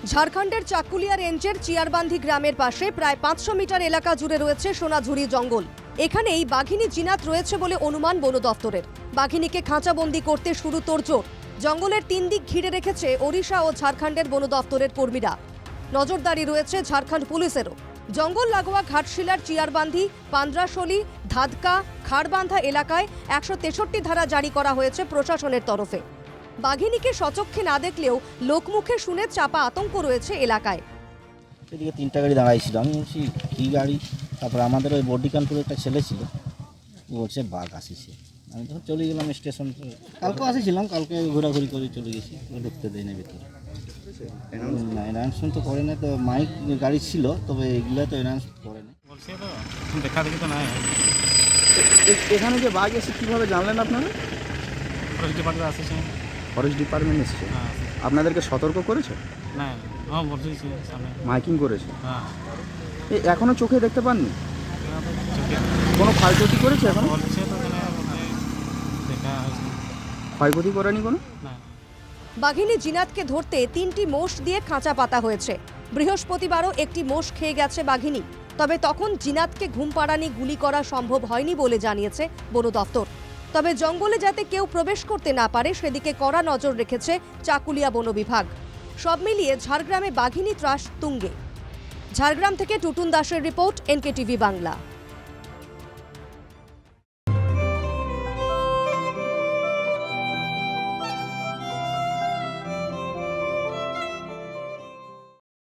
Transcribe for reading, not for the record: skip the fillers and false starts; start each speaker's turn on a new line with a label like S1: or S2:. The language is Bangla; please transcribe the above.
S1: ঝাড়খণ্ডের চাকুলিয়া রেঞ্জের চিয়ারবান্ধি গ্রামের পাশে প্রায় 500 মিটার এলাকা জুড়ে রয়েছে সোনাঝুরি জঙ্গল। এখানেই বাঘিনী জিনাত রয়েছে বলে অনুমান বন দফতরের। বাঘিনীকে খাঁচাবন্দি করতে শুরু তোড়জোড়। জঙ্গলের 3 দিক ঘিরে রেখেছে ওড়িশা ও ঝাড়খণ্ডের বন দফতরের কর্মীরা। নজরদারি রয়েছে ঝাড়খণ্ড পুলিশেরও। জঙ্গল লাগোয়া ঘাটশিলার চিয়ারবান্ধি, পান্দ্রাশলি, ধাদকা, খাড়বান্ধা এলাকায় 163 ধারা জারি করা হয়েছে প্রশাসনের তরফে। বাঘিনীকে সচক্ষে না দেখলেও লোকমুখে শুনে চাপা আতঙ্ক রয়েছে এলাকায়।
S2: এদিকে 3টা গাড়ি দাঁড়াইছিল, আমি বলছি কী গাড়ি, তারপরে আমাদের ওই বডিকানপুরে একটা ছেলে ছিল, ও বলছে বাঘ আসিছে। আমি তখন চলে গেলাম স্টেশন। কালকে আসেছিলাম, কালকে ঘোরাঘুরি করে চলে গেছি, ঢুকতে দেয় না ভিতরে। না, অ্যানাউন্সমেন্ট তো করে না, তো মাইক গাড়ি ছিল, তবে এগুলো তো অ্যানাউন্স করে না।
S3: বলছে তো দেখা দেখি তো নাই।
S4: এখানে যে বাঘ এসে কীভাবে জানলেন আপনারা?
S3: ফরেস্ট ডিপার্টমেন্ট আসেছে।
S4: ফরেস্ট ডিপার্টমেন্ট এসেছে,
S3: হ্যাঁ
S4: আপনাদেরকে সতর্ক করেছে?
S3: না, হ্যাঁ বলছি সামনে।
S4: মাইকিং করেছে?
S3: হ্যাঁ
S4: এখনো চোখে দেখতে পাননি?
S3: চোখে
S4: কোনো ক্ষয়ক্ষতি করেছে এখন?
S3: বলছে তো দেখা হয়েছে
S4: ক্ষয়ক্ষতি করেনি কোনো?
S3: না।
S1: বাঘিনী জিনাতকে ধরতে 3টি মোষ দিয়ে খাঁচা পাতা হয়েছে। বৃহস্পতিবারও একটি মোষ খেয়ে গেছে বাঘিনী। তবে তখন জিনাতকে ঘুম পাড়ানি গুলি করা সম্ভব হয়নি বলে জানিয়েছে বন দফতর। তবে জঙ্গলে যাতে কেউ প্রবেশ করতে না পারে সেদিকে কড়া নজর রেখেছে চাকুলিয়া বন বিভাগ। সব মিলিয়ে ঝাড়গ্রামে বাঘিনী ত্রাস তুঙ্গে। ঝাড়গ্রাম থেকে টুটুন দাসের রিপোর্ট, NKTV বাংলা।